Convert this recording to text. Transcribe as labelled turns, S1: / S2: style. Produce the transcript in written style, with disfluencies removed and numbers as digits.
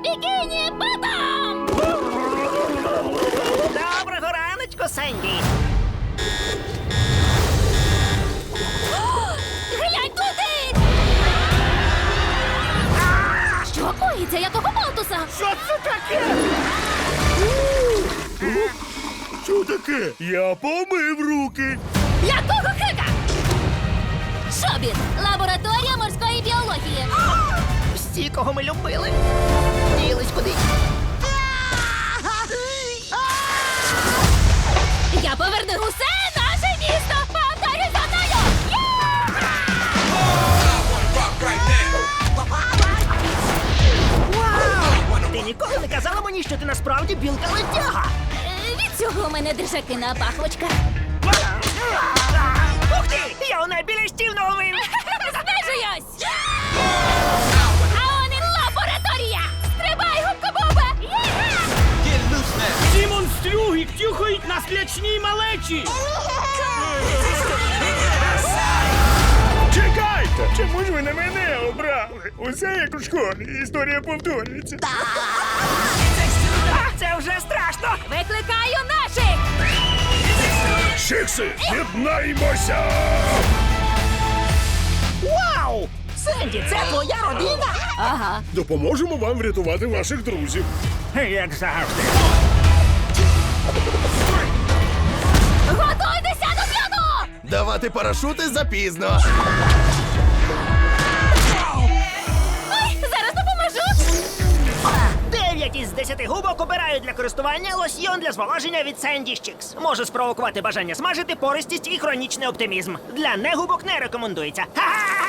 S1: Бікіні Ботом!
S2: Доброго раночку, Сенді.
S1: Глянь туди! Що коїться? Якого болтуса?
S2: Що це таке?
S3: Що таке? Я помив руки.
S1: Якого хика? Шобіт! Лабораторія морської біології.
S2: Всі, кого ми любили, ділись кудись.
S1: Я поверну усе наше місто! Повторюй за мною!
S2: Вау! Ти ніколи не казала мені, що ти насправді білка-летяга.
S1: Від цього у мене держаки на пахвочках.
S2: Ух ти! Я у найбільш наловив!
S1: Знижуюсь! А он і лабораторія! Стрибай, губка-буба!
S4: Ці монстрюги тюхають на слячній малечі!
S3: Чекайте! Чому ж ви на мене обрали? Усе як у школі. Історія повторюється.
S2: Це вже страшно!
S1: Викликаю наших!
S3: Чикси, єднаймося!
S2: Вау! Сенді, це твоя родина?
S1: Ага.
S3: Допоможемо вам врятувати ваших друзів.
S2: Як завжди.
S1: Готуйтеся до п'яну!
S5: Давати парашути запізно.
S1: Ой, зараз допоможу!
S2: 9 із 10 губок обирають для користування лосьйон для зволоження від Sandy Chicks. Може спровокувати бажання смажити, пористість і хронічний оптимізм. Для негубок не рекомендується. Ха-ха!